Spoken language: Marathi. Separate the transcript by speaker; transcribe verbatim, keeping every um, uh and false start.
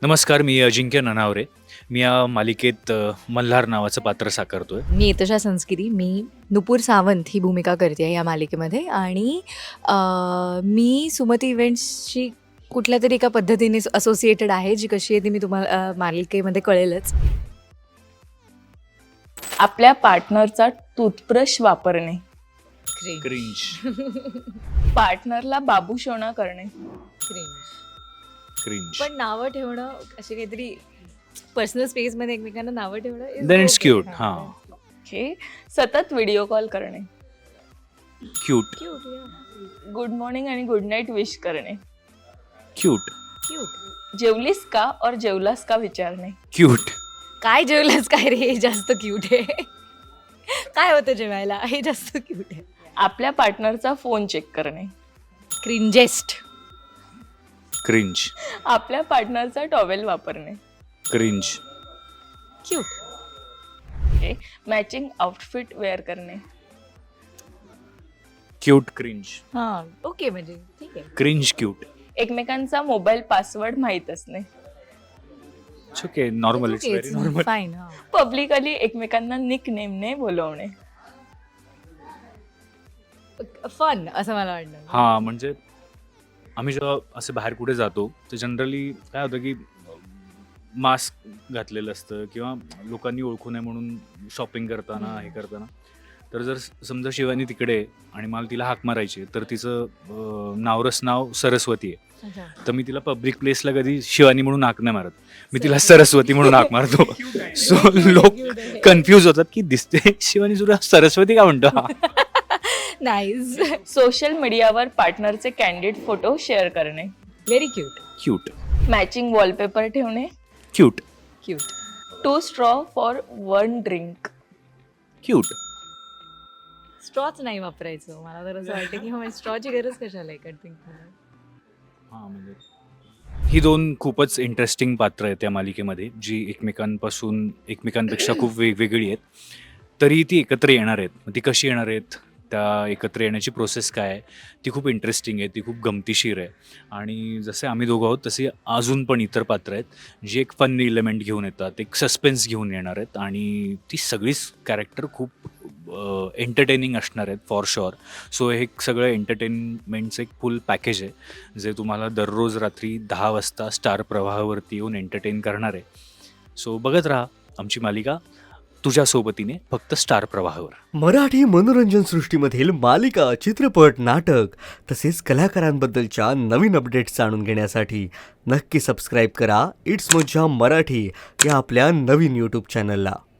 Speaker 1: नमस्कार, मी अजिंक्य ननावरे. मी या मालिकेत अ, मल्हार नावाचं पात्र साकारतोय.
Speaker 2: मी इतशा संस्कृती. मी नुपूर सावंत ही भूमिका करते या मालिकेमध्ये आणि अ, मी सुमती इव्हेंट्सची कुठल्या तरी एका पद्धतीने असोसिएटेड आहे, जी कशी आहे ती मी तुम्हाला अ, मालिकेमध्ये कळेलच.
Speaker 3: आपल्या पार्टनरचा टूथब्रश वापरणे,
Speaker 1: क्रिंज.
Speaker 3: पार्टनरला बाबूशोणा करणे,
Speaker 1: क्रिंज.
Speaker 2: पण नावं ठेवणं अशी काहीतरी पर्सनल स्पेसमध्ये एकमेकांना नावं ठेवणं is
Speaker 1: then it's
Speaker 2: okay.
Speaker 1: Cute.
Speaker 2: हां.
Speaker 1: हां.
Speaker 3: ओके. सतत व्हिडिओ कॉल करणे,
Speaker 1: cute.
Speaker 2: Cute, yeah.
Speaker 3: Good morning आणि गुड नाईट विश करणे,
Speaker 1: क्यूट.
Speaker 2: Cute.
Speaker 3: जेवलीस का और जेवलास का विचारणे,
Speaker 1: क्यूट.
Speaker 2: काय जेवलंच काय रे, हे जास्त क्यूट आहे. काय होतं जेवायला, हे जास्त क्यूट आहे.
Speaker 3: आपल्या पार्टनरचा फोन चेक करणे,
Speaker 2: क्रिंजेस्ट.
Speaker 1: क्रिंज.
Speaker 3: आपल्या पार्टनरचा टॉवेल वापरणे,
Speaker 1: cringe.
Speaker 2: Cute.
Speaker 3: Okay. Matching outfit wear करणे,
Speaker 1: क्यूट. क्रिंज.
Speaker 2: हां, ओके, म्हणजे ठीक आहे.
Speaker 1: क्रिंज. क्यूट.
Speaker 3: एकमेकांचा मोबाईल पासवर्ड माहीत असणे,
Speaker 1: it's okay. Normal. It's very normal.
Speaker 2: Fine. हां.
Speaker 3: पब्लिकली एकमेकांना निक नेमने बोलवणे,
Speaker 2: फन असं मला वाटतं.
Speaker 1: हां, म्हणजे आम्ही जेव्हा असे बाहेर कुठे जातो तर जनरली काय होतं की मास्क घातलेलं असतं किंवा लोकांनी ओळखू नये म्हणून शॉपिंग करताना हे करताना तर जर समजा शिवानी तिकडे आहे आणि मला तिला हाक मारायची आहे, तर तिचं अं, नावरस नाव सरस्वती आहे,
Speaker 2: अच्छा.
Speaker 1: तर मी तिला पब्लिक प्लेसला कधी शिवानी म्हणून हाक नाही मारत, मी तिला सरस्वती म्हणून हाक मारतो. सो लोक कन्फ्यूज होतात की दिसते शिवानी सुद्धा सरस्वती का म्हणतो हा.
Speaker 2: नाईस.
Speaker 3: सोशल मीडियावर पार्टनरचे कॅन्डिड फोटो शेअर करणे,
Speaker 2: very cute.
Speaker 1: Cute.
Speaker 3: Matching wallpaper ठेवणे,
Speaker 1: cute.
Speaker 2: Cute.
Speaker 3: Two straw for one drink,
Speaker 1: cute.
Speaker 2: स्ट्रॉच नाही वापरायचं. मला तर असं वाटतं की हो, स्ट्रॉची गरज कशाला आहे कटिंग.
Speaker 1: हां, म्हणजे ही दोन खूपच इंटरेस्टिंग पात्र आहेत त्या मालिकेमध्ये, जी एकमेकांपासून एकमेकांपेक्षा खूप वेगवेगळी आहेत. तरी ती एकत्र येणार आहेत. मग ती कशी येणार आहेत, त्या एकत्र येण्याची प्रोसेस काय आहे, ती खूप इंटरेस्टिंग आहे, ती खूप गमतीशीर आहे. आणि जसे आम्ही दोघं आहोत तसे अजून पण इतर पात्र आहेत, जी एक फन इलेमेंट घेऊन येतात, एक सस्पेन्स घेऊन येणार आहेत आणि ती सगळीच कॅरेक्टर खूप एंटरटेनिंग असणार आहेत फॉर शुअर. सो हे सगळं एंटरटेनमेंटचं एक फुल पॅकेज आहे, जे तुम्हाला दररोज रात्री दहा वाजता स्टार प्रवाहावरती येऊन एंटरटेन करणार आहे. सो बघत राहा आमची मालिका तुझ्या सोबतीने, फक्त स्टार प्रवाहावर.
Speaker 4: मराठी मनोरंजन सृष्टीमधील मालिका, चित्रपट, नाटक तसेच कलाकारांबद्दलच्या नवीन अपडेट्स जाणून घेण्यासाठी नक्की सबस्क्राईब करा इट्स मज्जा मराठी या आपल्या नवीन यूट्यूब चॅनलला.